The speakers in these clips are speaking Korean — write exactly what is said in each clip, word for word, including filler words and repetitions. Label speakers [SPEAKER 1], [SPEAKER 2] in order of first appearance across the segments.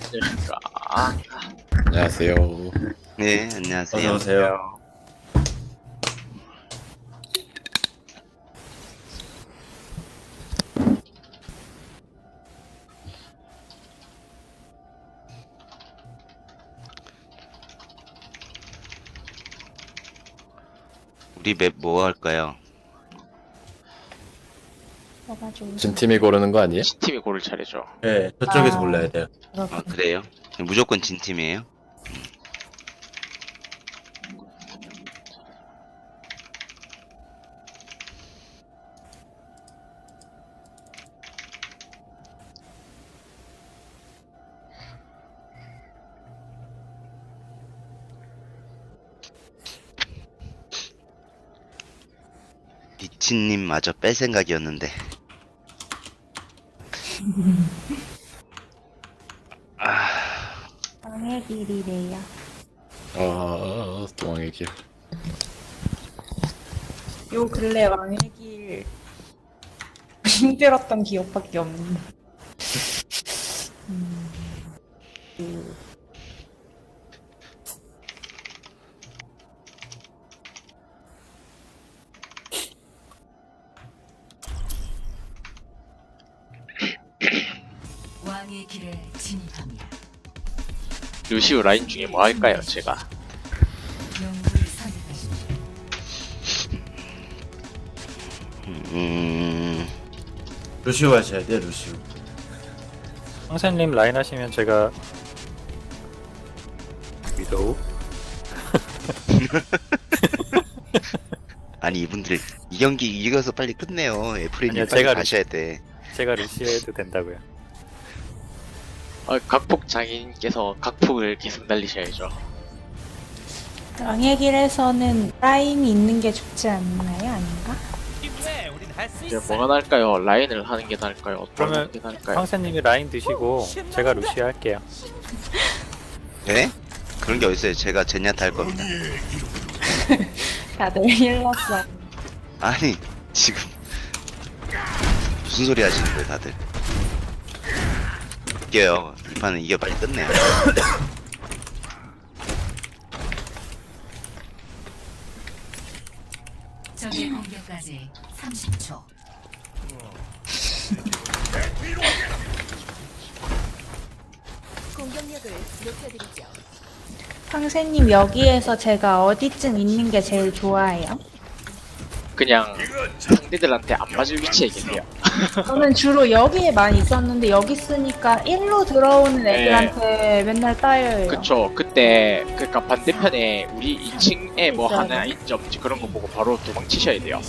[SPEAKER 1] 안녕하십니까. 아,
[SPEAKER 2] 안녕하세요.
[SPEAKER 3] 네, 안녕하세요.
[SPEAKER 4] 어서오세요.
[SPEAKER 3] 우리 맵 뭐 할까요?
[SPEAKER 5] 뭐가 좋으세요?
[SPEAKER 2] 진 팀이 고르는 거 아니에요?
[SPEAKER 1] 팀이 고를 차례죠.
[SPEAKER 4] 네, 저쪽에서
[SPEAKER 5] 아.
[SPEAKER 4] 골라야 돼요.
[SPEAKER 3] 아, 그래요? 무조건 진 팀이에요? 미친님마저 뺄 생각이었는데. 아,
[SPEAKER 5] 왕의 길이래요.
[SPEAKER 2] 아, 동왕의 길.
[SPEAKER 5] 요 근래 왕의 길 힘들었던 기억밖에 없는데. 음, 그,
[SPEAKER 6] 왕의 길에 진입합니다.
[SPEAKER 1] 루시우 라인 중에 뭐 할까요, 제가?
[SPEAKER 6] 영웅을 선택하십시오.
[SPEAKER 3] 음,
[SPEAKER 4] 루시오 하셔야 돼요, 루시오.
[SPEAKER 7] 황새님 라인 하시면 제가 위도우
[SPEAKER 3] 아니 이분들 이 경기 이겨서 빨리 끝내요. 애플이님
[SPEAKER 7] 아니요,
[SPEAKER 3] 빨리
[SPEAKER 7] 제가
[SPEAKER 3] 가셔야 돼.
[SPEAKER 7] 제가 루시오 해도 된다고요.
[SPEAKER 1] 어, 각폭 장인께서 각폭을 계속 날리셔야죠.
[SPEAKER 5] 왕의 길에서는 라인이 있는 게 좋지 않나요? 아닌가?
[SPEAKER 1] 이제 뭐가 나을까요? 라인을 하는 게 나을까요? 어떤
[SPEAKER 7] 그러면
[SPEAKER 1] 게 나을까요?
[SPEAKER 7] 황새님이 라인 드시고 제가 루시오 할게요.
[SPEAKER 3] 네? 그런 게 어딨어요? 제가 제냐타 할 겁니다.
[SPEAKER 5] 다들 힐렀어.
[SPEAKER 3] 아니 지금 무슨 소리 하시는 거예요, 다들? 이겨요. 이 판은 이겨 빨리 끝내요.
[SPEAKER 6] 적의 공격까지 삼십 초. 공격력을 높여드리죠.
[SPEAKER 5] 황새님 여기에서 제가 어디쯤 있는 게 제일 좋아해요?
[SPEAKER 1] 그냥 상대들한테 안 맞을 위치에 계세요.
[SPEAKER 5] 저는 주로 여기에 많이 있었는데 여기 쓰니까 일로 들어오는 애들한테 맨날 따여요.
[SPEAKER 1] 그쵸. 그때 그니까 반대편에 우리 이 층에 뭐
[SPEAKER 5] 있어요.
[SPEAKER 1] 하나 있지 없지 그런 거 보고 바로 도망치셔야 돼요.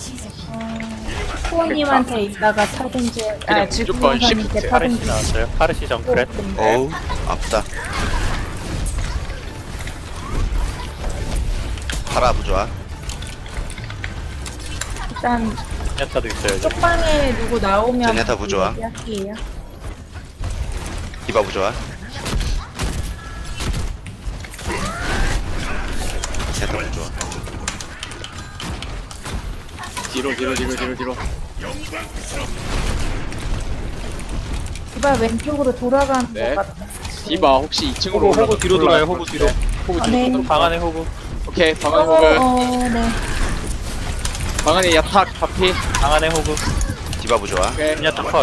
[SPEAKER 5] 후원님한테 있다가 타든지, 아,
[SPEAKER 1] 그냥
[SPEAKER 5] 지금
[SPEAKER 1] 무조건
[SPEAKER 5] 선생님께
[SPEAKER 1] 시프트.
[SPEAKER 7] 파르시
[SPEAKER 5] 타든지.
[SPEAKER 7] 나왔어요. 파르시 정크렛.
[SPEAKER 3] 어우 아프다. 파라 부좋아.
[SPEAKER 5] 일단
[SPEAKER 7] 야타도 있어요.
[SPEAKER 5] 쪽방에 누구 나오면
[SPEAKER 3] 제네타 부조화.
[SPEAKER 5] 할게요.
[SPEAKER 3] 디바 부좋아. 제타 부좋아.
[SPEAKER 1] 뒤로 뒤로 뒤로 뒤로 뒤로.
[SPEAKER 5] 디바 왼쪽으로 돌아가는
[SPEAKER 1] 네.
[SPEAKER 5] 것 같아.
[SPEAKER 1] 디바 혹시 이 층으로
[SPEAKER 7] 호구 호구 뒤로 돌아요. 호구 뒤로.
[SPEAKER 1] 호구
[SPEAKER 5] 아,
[SPEAKER 1] 뒤로.
[SPEAKER 5] 네.
[SPEAKER 1] 뒤로.
[SPEAKER 7] 방 안에 호구.
[SPEAKER 1] 오케이 방안
[SPEAKER 5] 어,
[SPEAKER 1] 호그.
[SPEAKER 5] 어, 네.
[SPEAKER 1] 방 안에 야탁 반피.
[SPEAKER 7] 방 안에 호구.
[SPEAKER 3] 디바 부좋아.
[SPEAKER 1] 오케이.
[SPEAKER 7] 야타 컷.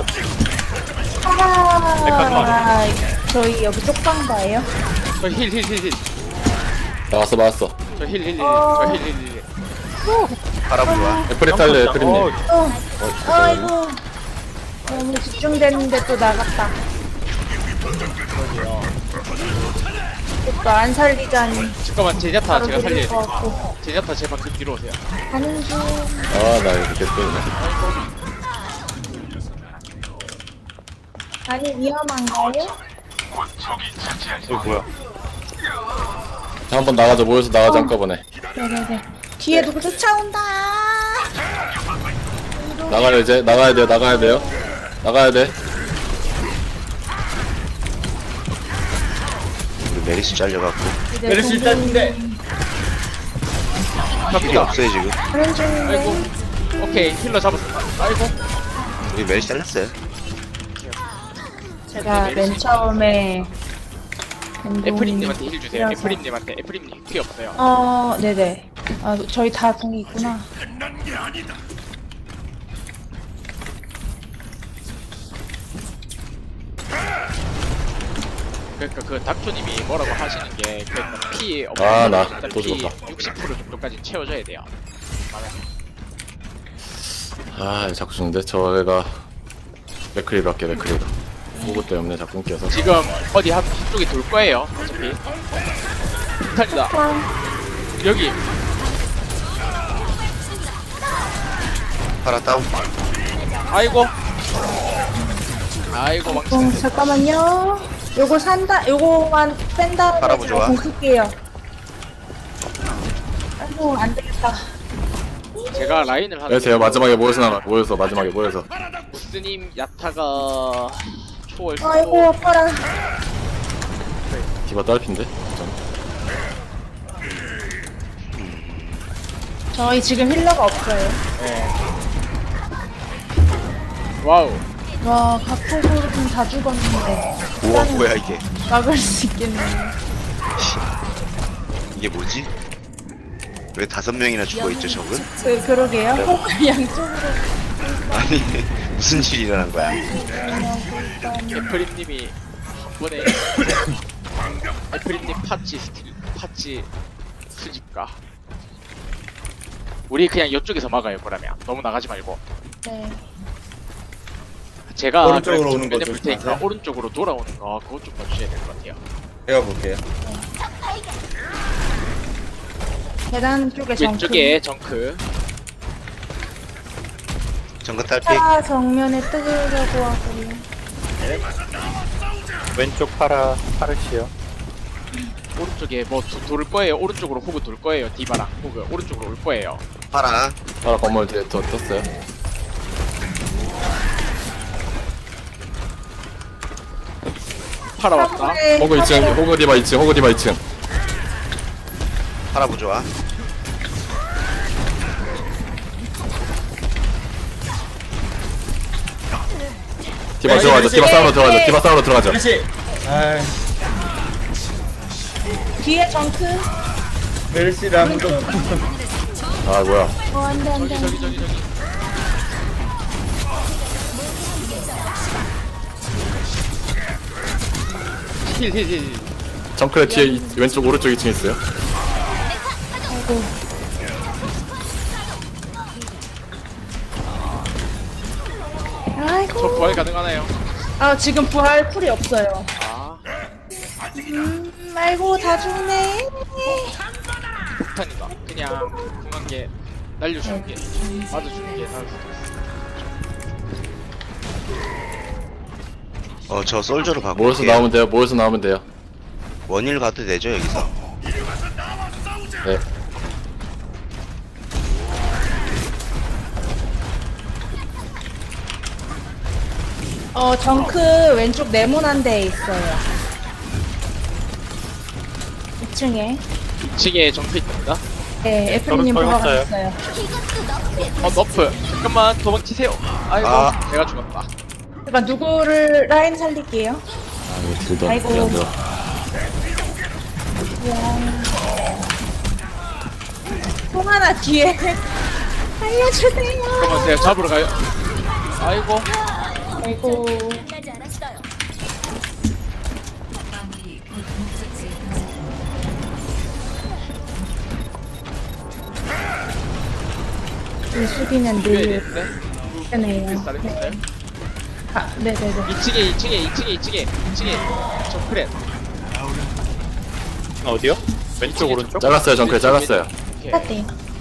[SPEAKER 5] 아, 저희 여기 쪽방 봐요.
[SPEAKER 1] 저힐 힐 힐 힐.
[SPEAKER 2] 나왔어, 나왔어.
[SPEAKER 1] 저 힐 힐 힐.
[SPEAKER 5] 어.
[SPEAKER 1] 저 힐 힐 힐.
[SPEAKER 3] 파라 부좋아.
[SPEAKER 2] 애플이 탈래,
[SPEAKER 7] 어,
[SPEAKER 2] 애플이님.
[SPEAKER 5] 어, 아이고. 너무 집중됐는데 또 나갔다. 또 안 살리자니.
[SPEAKER 1] 잠깐만 제냐타
[SPEAKER 5] 바로
[SPEAKER 1] 제가
[SPEAKER 5] 드릴
[SPEAKER 1] 살려야
[SPEAKER 5] 것
[SPEAKER 1] 돼.
[SPEAKER 5] 같고.
[SPEAKER 1] 제냐타 제발 그 뒤로 오세요.
[SPEAKER 5] 가는 중.
[SPEAKER 2] 아, 나 이렇게 또.
[SPEAKER 5] 아니, 위험한가요?
[SPEAKER 7] 이거 뭐야?
[SPEAKER 2] 자, 한번 나가자, 모여서 나가자, 한꺼번에.
[SPEAKER 5] 네네네. 뒤에 누구 쫓아온다.
[SPEAKER 2] 나가야 이제, 나가야 돼요, 나가야 돼요. 나가야 돼.
[SPEAKER 3] 우리 메리스 잘려갖고
[SPEAKER 5] 이제
[SPEAKER 4] 메르시 일단인데.
[SPEAKER 3] 힐이 없어요 지금.
[SPEAKER 5] 가는 중인데.
[SPEAKER 1] 아이고. 오케이 힐러 잡았어. 아이고.
[SPEAKER 3] 우리 메리스 잘렸어요.
[SPEAKER 5] 제가 맨 처음에
[SPEAKER 1] 애프림님한테 힐 주세요.
[SPEAKER 5] 이라서.
[SPEAKER 1] 애프림님한테 애프림님 피 없어요.
[SPEAKER 5] 어, 네네. 아, 저희 다 궁이 있구나.
[SPEAKER 1] 그러니까 그 닥터님이 뭐라고 하시는 게 그러니까 피 없는
[SPEAKER 2] 아, 나
[SPEAKER 1] 일단
[SPEAKER 2] 또
[SPEAKER 1] 피
[SPEAKER 2] 죽었다.
[SPEAKER 1] 육십 퍼센트 정도까지 채워줘야 돼요.
[SPEAKER 2] 아 자꾸 죽는데 저애가 맥크리밖에 맥크리가 보고 때문에 자꾸 껴서
[SPEAKER 1] 지금 어디 한, 한쪽이 돌 거예요. 어차피. 탈다. 여기
[SPEAKER 3] 파라 다운.
[SPEAKER 1] 아이고. 아이고 망치.
[SPEAKER 5] 어, 잠깐만요. 요거 산다, 요거만 뺀 다음에
[SPEAKER 3] 바라보
[SPEAKER 5] 제가
[SPEAKER 3] 좋아.
[SPEAKER 5] 공 쓸게요. 아이고, 안 되겠다.
[SPEAKER 1] 제가 라인을 하는.
[SPEAKER 2] 네, 제가 마지막에 모여서 나가 모여서 마지막에 모여서
[SPEAKER 1] 무스님 야타가 초월.
[SPEAKER 5] 아이고, 아파라.
[SPEAKER 2] 디바 딸핀데 전.
[SPEAKER 5] 저희 지금 힐러가 없어요.
[SPEAKER 1] 와우.
[SPEAKER 5] 와, 각폭으로 좀 다 죽었는데.
[SPEAKER 3] 우와 뭐야 이게?
[SPEAKER 5] 막을 수 있겠네요.
[SPEAKER 3] 이게 뭐지? 왜 다섯 명이나 죽어 있죠 적은?
[SPEAKER 5] 그, 그러게요. 혹 양쪽으로.
[SPEAKER 3] 아니 무슨 일이 일어난 거야?
[SPEAKER 1] 애프림님이 한 번에 애프림님 파치 스킬 파치 수집가. 우리 그냥 이쪽에서 막아요. 그러면 너무 나가지 말고.
[SPEAKER 5] 네.
[SPEAKER 1] 제가
[SPEAKER 4] 오른쪽으로
[SPEAKER 1] 그래서
[SPEAKER 4] 오는 거
[SPEAKER 1] 정면에 볼 테니까
[SPEAKER 4] 조심하세요.
[SPEAKER 1] 오른쪽으로 돌아오는 거 그것 좀 봐주셔야 될 것 같아요.
[SPEAKER 4] 제가 볼게요.
[SPEAKER 5] 계단 쪽에 정크.
[SPEAKER 1] 왼쪽에 정크.
[SPEAKER 3] 정글 딸피.
[SPEAKER 5] 파라 정면에 뜨려고 하고요.
[SPEAKER 7] 왼쪽 파라 파르시요.
[SPEAKER 1] 오른쪽에 뭐 도, 돌 거예요. 오른쪽으로 호그 돌 거예요. 디바랑 호그 오른쪽으로 올 거예요.
[SPEAKER 3] 파라.
[SPEAKER 2] 파라 건물 뒤에 더 떴어요.
[SPEAKER 1] 파라 왔다.
[SPEAKER 2] 호그 이 층 호그 디바 이 층 호그 디바 이 층
[SPEAKER 3] 파라 부좋아.
[SPEAKER 2] 디바 들어가자 디바 싸우러 들어가자 디바 싸우러 들어가자
[SPEAKER 4] 메르시. 아,
[SPEAKER 5] 뒤에 정크.
[SPEAKER 4] 메르시랑 좀.
[SPEAKER 2] 아 뭐야
[SPEAKER 5] 어, 안 돼, 안 돼.
[SPEAKER 1] 저기 저기 저기. 힐힐힐.
[SPEAKER 2] 정크의 뒤에 이- 왼쪽 오른쪽 이 층 있어요.
[SPEAKER 5] 아이고.
[SPEAKER 1] 저
[SPEAKER 5] 아이고.
[SPEAKER 1] 부활 가능하나요?
[SPEAKER 5] 아, 지금 부활 쿨이 없어요.
[SPEAKER 1] 아
[SPEAKER 5] 음, 아이고, 다 죽네.
[SPEAKER 1] 폭탄이다. 그냥 궁한 게 날려주는 게 맞아주는 게 나을 수도 있어.
[SPEAKER 3] 어 저 솔저로 바꿀게요.
[SPEAKER 2] 모여서 나오면 돼요 모여서 나오면 돼요.
[SPEAKER 3] 원일 가도 되죠 여기서?
[SPEAKER 2] 네
[SPEAKER 5] 어, 정크 왼쪽 네모난 데에 있어요. 이 층에.
[SPEAKER 1] 이 층에 정크 있습니다.
[SPEAKER 5] 네, 애플님
[SPEAKER 7] 저는
[SPEAKER 5] 보러
[SPEAKER 7] 떨궜어요.
[SPEAKER 5] 갔어요.
[SPEAKER 1] 어 너프. 잠깐만 도망치세요. 아이고
[SPEAKER 3] 아.
[SPEAKER 1] 내가 죽었다.
[SPEAKER 5] 잠깐, 누구를 라인 살릴게요.
[SPEAKER 2] 아 이거 딜도
[SPEAKER 5] 아이고.
[SPEAKER 2] 딜안 들어.
[SPEAKER 5] 통 하나 뒤에. 알려주세요.
[SPEAKER 1] 잠깐만 제가 잡으러 가요. 아이고
[SPEAKER 5] 아이고.
[SPEAKER 6] 마무리 곧 목적지에 도착.
[SPEAKER 5] 이 수비는
[SPEAKER 1] 죽여야
[SPEAKER 5] 늘
[SPEAKER 1] 되는데.
[SPEAKER 5] 뜨네요.
[SPEAKER 1] 잘했어요.
[SPEAKER 5] 아, 네네네.
[SPEAKER 1] 이 층에 이 층에 이 층에 이 층에 이 층에 정크렛.
[SPEAKER 7] 어디요? 왼쪽 오른쪽?
[SPEAKER 2] 잘랐어요 정크에 잘랐어요.
[SPEAKER 1] 오케이.
[SPEAKER 5] 똑같대요.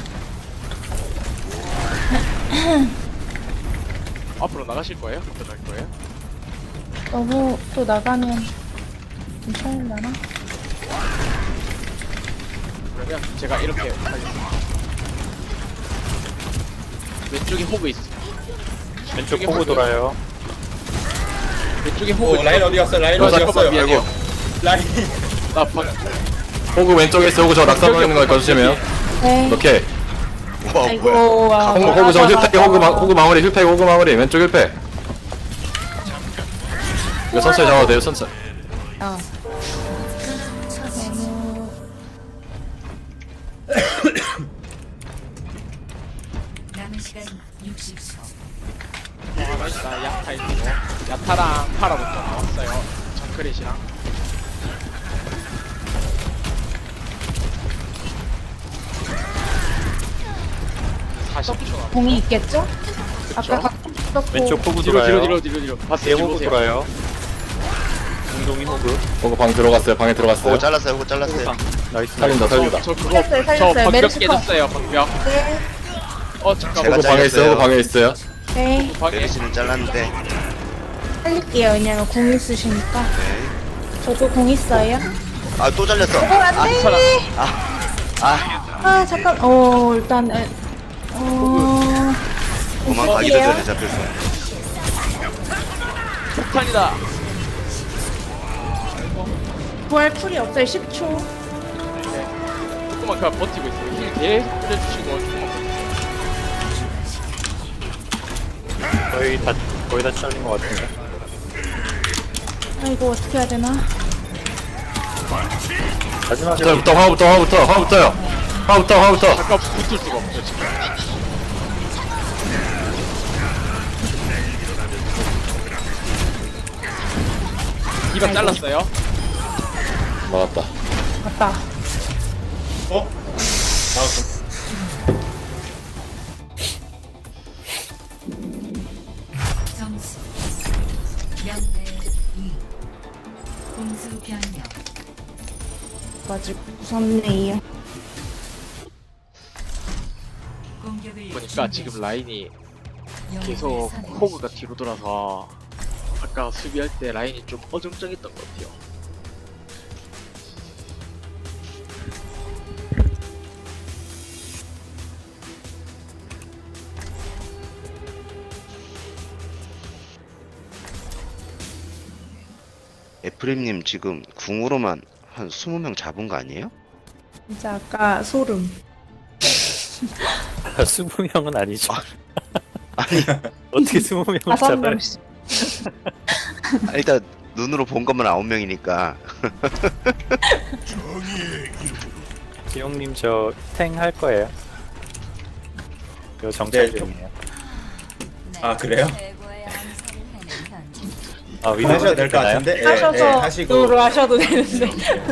[SPEAKER 1] 앞으로 나가실 거예요? 어떡할 거예요?
[SPEAKER 5] 너무 또 나가면 괜찮으려나?
[SPEAKER 1] 그러면 제가 이렇게 하겠습니다. 왼쪽에 호그 있어.
[SPEAKER 7] 왼쪽 보고 돌아요.
[SPEAKER 1] 왼쪽에 호그.
[SPEAKER 4] 오, 라인 어디 갔어? 라인
[SPEAKER 1] 어,
[SPEAKER 4] 어디
[SPEAKER 1] 잠깐만
[SPEAKER 4] 갔어요?
[SPEAKER 1] 미안해요.
[SPEAKER 4] 라인.
[SPEAKER 1] 나 방.
[SPEAKER 2] 호그 왼쪽에 있어 호그 저 낙사 보이는 거 거주시면
[SPEAKER 5] 네.
[SPEAKER 2] 오케이.
[SPEAKER 3] 와 뭐야?
[SPEAKER 5] 아이고, 와.
[SPEAKER 2] 호그 호그 저 힐팩 호그 마, 호그 마무리 힐팩 호그 마무리 왼쪽 힐팩. 이거 천천히 잡아도 돼요 천천히.
[SPEAKER 5] 어.
[SPEAKER 6] 남은 시간 육십 초.
[SPEAKER 1] 뭐 하나 있다. 야타 있고. 야타랑 파라부터 나왔어요. 정크렛이랑. 사십 초 남았어.
[SPEAKER 5] 공이 있겠죠? 아까 각 썼고
[SPEAKER 7] 왼쪽 호구
[SPEAKER 1] 뒤로
[SPEAKER 7] 돌아요.
[SPEAKER 1] 뒤로 뒤로 뒤로 뒤로. 봤어요.
[SPEAKER 7] 뒤에
[SPEAKER 1] 뒤로
[SPEAKER 7] 호구
[SPEAKER 1] 오세요.
[SPEAKER 7] 돌아요. 공동이 호구.
[SPEAKER 2] 보고 방 들어갔어요. 방에 들어갔어요.
[SPEAKER 3] 그거 잘랐어요. 그거 잘랐어요.
[SPEAKER 7] 나이스.
[SPEAKER 2] 살린다 살린다.
[SPEAKER 1] 저 그거
[SPEAKER 5] 살렸어요,
[SPEAKER 1] 저
[SPEAKER 5] 살렸어요.
[SPEAKER 1] 방벽
[SPEAKER 5] 메르시 컷.
[SPEAKER 1] 깨졌어요. 방벽.
[SPEAKER 5] 네.
[SPEAKER 1] 어
[SPEAKER 3] 제가
[SPEAKER 1] 잠깐만.
[SPEAKER 2] 보고 방에 있어요.
[SPEAKER 3] 잘렸어요.
[SPEAKER 2] 보고 방에 있어요.
[SPEAKER 5] 네.
[SPEAKER 1] 방에
[SPEAKER 3] 메르시는 잘랐는데.
[SPEAKER 5] 살릴게요. 왜냐면 공 있으시니까.
[SPEAKER 3] 네.
[SPEAKER 5] 저도 공 있어요.
[SPEAKER 3] 아 또 잘렸어.
[SPEAKER 5] 어, 안 돼!
[SPEAKER 3] 아
[SPEAKER 5] 아, 잠깐. 어, 일단, 에, 어,
[SPEAKER 3] 도망가기도
[SPEAKER 5] 볼게요.
[SPEAKER 3] 전에 잡혔어.
[SPEAKER 1] 폭탄이다.
[SPEAKER 5] 부활 쿨이 없어요. 십 초.
[SPEAKER 1] 네. 조금만 그냥 버티고 있어요. 힐 계속 뿌려주시고 조금만 버티고.
[SPEAKER 7] 거의 다 거의 다 잘린 것 같은데.
[SPEAKER 5] 아, 이거 어떻게 해야 되나?
[SPEAKER 7] 마지막에
[SPEAKER 2] 화부터 화부터 화부터 화부터요. 화부터 화부터.
[SPEAKER 1] 잠깐 붙을 수가 없어요 지금. 이박 잘랐어요.
[SPEAKER 2] 맞았다.
[SPEAKER 5] 맞다.
[SPEAKER 4] 어? 나왔어.
[SPEAKER 6] 점수 영 대 이. 공수 변경.
[SPEAKER 5] 맞을 무섭네요.
[SPEAKER 6] 공격을
[SPEAKER 1] 보니까 지금 라인이
[SPEAKER 6] 영웅을
[SPEAKER 1] 계속
[SPEAKER 6] 선택.
[SPEAKER 1] 호그가 뒤로 돌아서 아까 수비할 때 라인이 좀 어정쩡했던 것 같아요.
[SPEAKER 3] 에프림님 지금 궁으로만 한 이십 명 잡은 거 아니에요?
[SPEAKER 5] 진짜 아까 소름.
[SPEAKER 7] 스무 명은 아니죠.
[SPEAKER 3] 아니
[SPEAKER 7] 어떻게 스무 명을
[SPEAKER 5] 다섯
[SPEAKER 7] 잡아요?
[SPEAKER 5] 명씩.
[SPEAKER 3] 일단 눈으로 본 것만 아홉 명이니까.
[SPEAKER 7] 지용님 저 탱 할 거예요. 이거 정찰
[SPEAKER 4] 네, 좀-
[SPEAKER 7] 중이에요.
[SPEAKER 4] 아, 그래요?
[SPEAKER 7] 아 위도
[SPEAKER 4] 하셔도 될 것 같은데? 예, 예,
[SPEAKER 5] 하셔서
[SPEAKER 4] 하시고.
[SPEAKER 5] 노로 하셔도 되는데.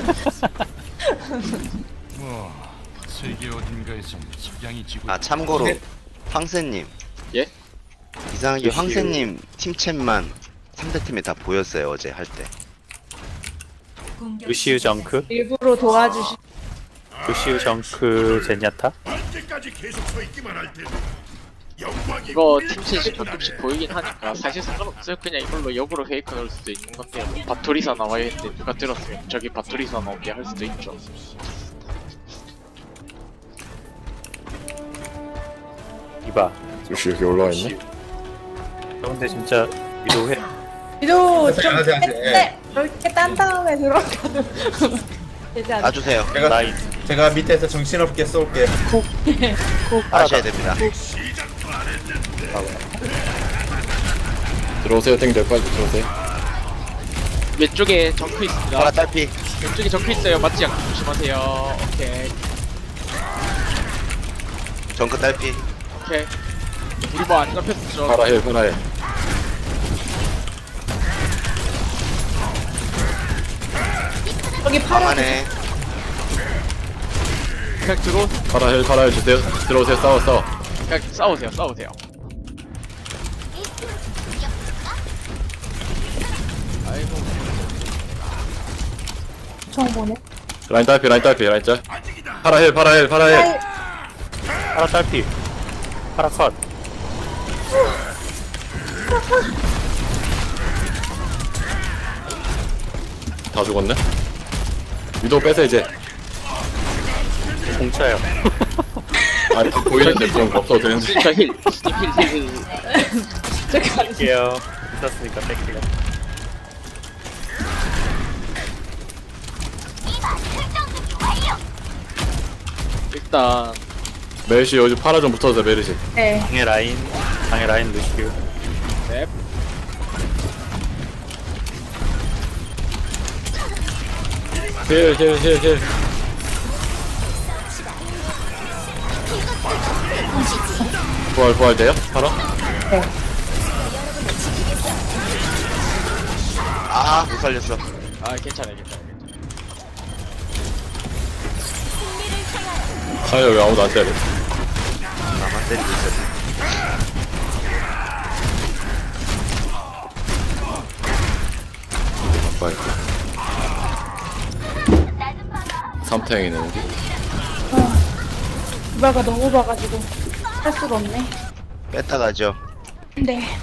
[SPEAKER 8] 세계 어딘가에서 식량이 지고
[SPEAKER 3] 아 참고로
[SPEAKER 4] 네.
[SPEAKER 3] 황새님.
[SPEAKER 1] 예?
[SPEAKER 3] 이상하게
[SPEAKER 7] 루시우.
[SPEAKER 3] 황새님 팀챗만 상대팀에 다 보였어요 어제 할 때.
[SPEAKER 6] 공격
[SPEAKER 7] 루시우 정크,
[SPEAKER 5] 일부러 도와주시.
[SPEAKER 7] 루시우 정크 젠야타.
[SPEAKER 1] 이거 팀셋이 가끔씩 보이긴 하니까 사실 상관없어요. 그냥 이걸로 역으로 페이크 넣을 수도 있는 건데요. 바토리사 나와야 했는데 누가 들었으면 저기 바토리사 나오게 할 수도 있죠.
[SPEAKER 7] 이봐.
[SPEAKER 2] 역시 여기 올라와 있네.
[SPEAKER 7] 근데 진짜 위도 해.
[SPEAKER 5] 위도 좀
[SPEAKER 4] 하세요, 하세요.
[SPEAKER 5] 뺐는데 이렇게 딴 다음에 들어가도 되지 않나?
[SPEAKER 3] 놔주세요.
[SPEAKER 4] 제가,
[SPEAKER 7] 라인.
[SPEAKER 4] 제가 밑에서 정신없게 쏠게요.
[SPEAKER 3] 아셔야 됩니다.
[SPEAKER 2] 들어오세요. 땡들 빨리 들어오세요.
[SPEAKER 1] 왼쪽에 정크 있습니다.
[SPEAKER 3] 파라 딸피.
[SPEAKER 1] 왼쪽에 정크 있어요. 맞지 않게 조심하세요. 오케이.
[SPEAKER 3] 정크 딸피.
[SPEAKER 1] 오케이. 우리 뭐 안 잡혔죠?
[SPEAKER 2] 파라 힐 파라 힐.
[SPEAKER 5] 여기 파란
[SPEAKER 3] 방안에
[SPEAKER 1] 그냥 들어
[SPEAKER 2] 파라 힐 파라 힐 주세요. 들어오세요. 싸워 싸워.
[SPEAKER 1] 그냥 싸우세요. 싸우세요. 아이고.
[SPEAKER 5] 정보네.
[SPEAKER 2] 라인 딸피 라인 딸피 라인 짤. 파라 힐 파라 힐 파라 힐.
[SPEAKER 7] 파라 딸피. 파라 컷.
[SPEAKER 2] 다 죽었네. 위도 빼서 이제.
[SPEAKER 7] 공차요.
[SPEAKER 2] 아 보이는데 그런 거 없어도 되는데.
[SPEAKER 1] 진짜 힐. 힐, 힐, 힐.
[SPEAKER 7] 뺄게요. 있었으니까 뺄게요.
[SPEAKER 1] 일단
[SPEAKER 2] 메르시 요즘 파라 좀 붙어서 메르시.
[SPEAKER 5] 네.
[SPEAKER 7] 방에 라인. 방에 라인 루시우.
[SPEAKER 1] 네.
[SPEAKER 2] 힐 힐 힐 힐. 부활 부활 돼요? 바로?
[SPEAKER 3] 아, 못 살렸어.
[SPEAKER 1] 아 괜찮아요 괜찮아요
[SPEAKER 2] 아유 왜 아무도 안 때려?
[SPEAKER 3] 나만 때리고 있었네.
[SPEAKER 2] 빨리. 삼탱이네 여기.
[SPEAKER 5] 누가가 너무 봐가지고 할 수가 없네.
[SPEAKER 3] 뺐다 가죠.
[SPEAKER 5] 네.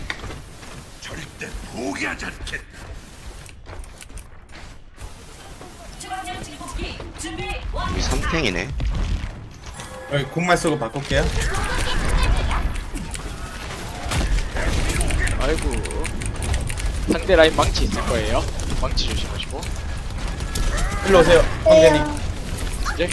[SPEAKER 3] 우리 삼탱이네.
[SPEAKER 4] 여기 공만 쓰고 바꿀게요.
[SPEAKER 1] 아이고 상대 라인 망치 있을 거예요 망치 조심하시고
[SPEAKER 4] 일로 오세요, 황제님.
[SPEAKER 1] 이제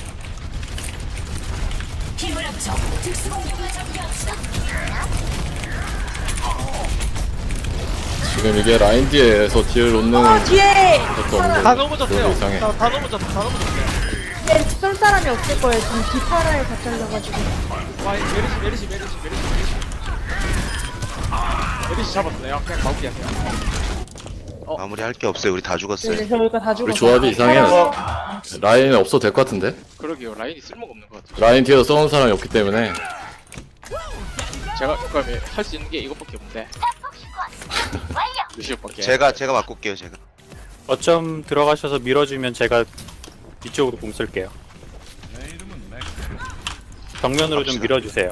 [SPEAKER 2] 지금 이게 라인 뒤에서 딜 놓는
[SPEAKER 5] 어 뒤에
[SPEAKER 2] 것도 없는
[SPEAKER 1] 다
[SPEAKER 2] 거
[SPEAKER 1] 넘어졌어요
[SPEAKER 2] 이상해.
[SPEAKER 1] 다, 다 넘어졌다 다 넘어졌어요
[SPEAKER 5] 네, 쏠 사람이 없을 거예요. 지금 뒷파라에 다 잘려가지고.
[SPEAKER 1] 와 메르시 메르시 메르시 메르시 메르시 메르시 잡았어요 그냥 마무리하세요
[SPEAKER 3] 마무리 할 게 없어요. 우리 다
[SPEAKER 5] 네,
[SPEAKER 3] 죽었어요.
[SPEAKER 5] 이제 저희가 다 죽었어요.
[SPEAKER 2] 우리 조합이 이상해.
[SPEAKER 4] 어,
[SPEAKER 2] 라인 없어도 될 것 같은데?
[SPEAKER 1] 그러게요 라인이 쓸모가 없는 것 같아요
[SPEAKER 2] 라인 뒤에서 써는 사람이 없기 때문에
[SPEAKER 1] 제가 그러면 할 수 있는 게 이것밖에 없는데 루시오밖에
[SPEAKER 3] 제가 제가 바꿀게요. 제가.
[SPEAKER 7] 어쩜 들어가셔서 밀어주면 제가 이쪽으로 공 쓸게요. 정면으로 좀
[SPEAKER 3] 갑시다.
[SPEAKER 7] 밀어주세요.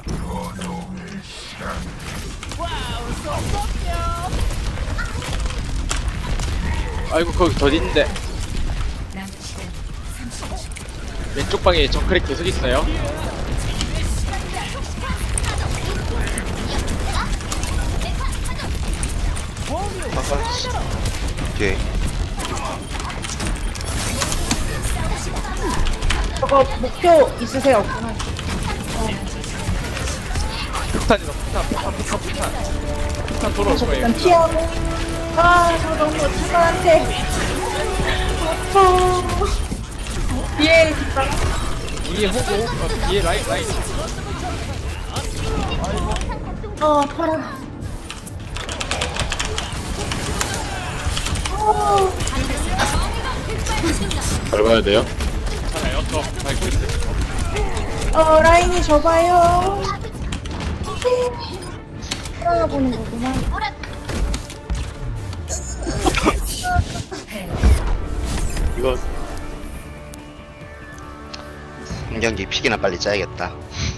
[SPEAKER 1] 아이고 거기 더 있는데
[SPEAKER 6] 남은 시간 삼십 초.
[SPEAKER 1] 왼쪽 방에 정크랙 계속 있어요
[SPEAKER 3] 오케이.
[SPEAKER 5] 저거 목표 있으세요? 없구나.
[SPEAKER 1] 폭탄이다 폭탄 폭탄 폭탄 폭탄 폭탄 돌아올 거예요
[SPEAKER 5] 일단 피하고. 아, 저 너무 차가한테. 어. 뒤에 있다.
[SPEAKER 1] 뒤에 호구 어, 뒤에 라인 라인
[SPEAKER 5] 어, 파라. 어,
[SPEAKER 2] 밟아야 돼요?
[SPEAKER 1] 괜찮아요 저 밟고 있어요
[SPEAKER 5] 어, 라인이 좁아요. 살아보는 거구나.
[SPEAKER 7] 이거
[SPEAKER 3] 한 경기 픽이나 빨리 짜야겠다.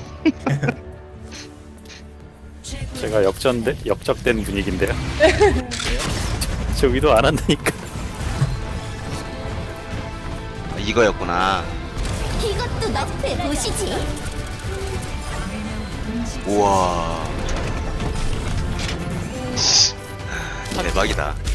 [SPEAKER 7] 제가 역전돼 역적된 분위기인데요. 저 위도 안 한다니까.
[SPEAKER 3] 아, 이거였구나.
[SPEAKER 9] 이것도 너프에 보시지.
[SPEAKER 3] 우와. 대박이다.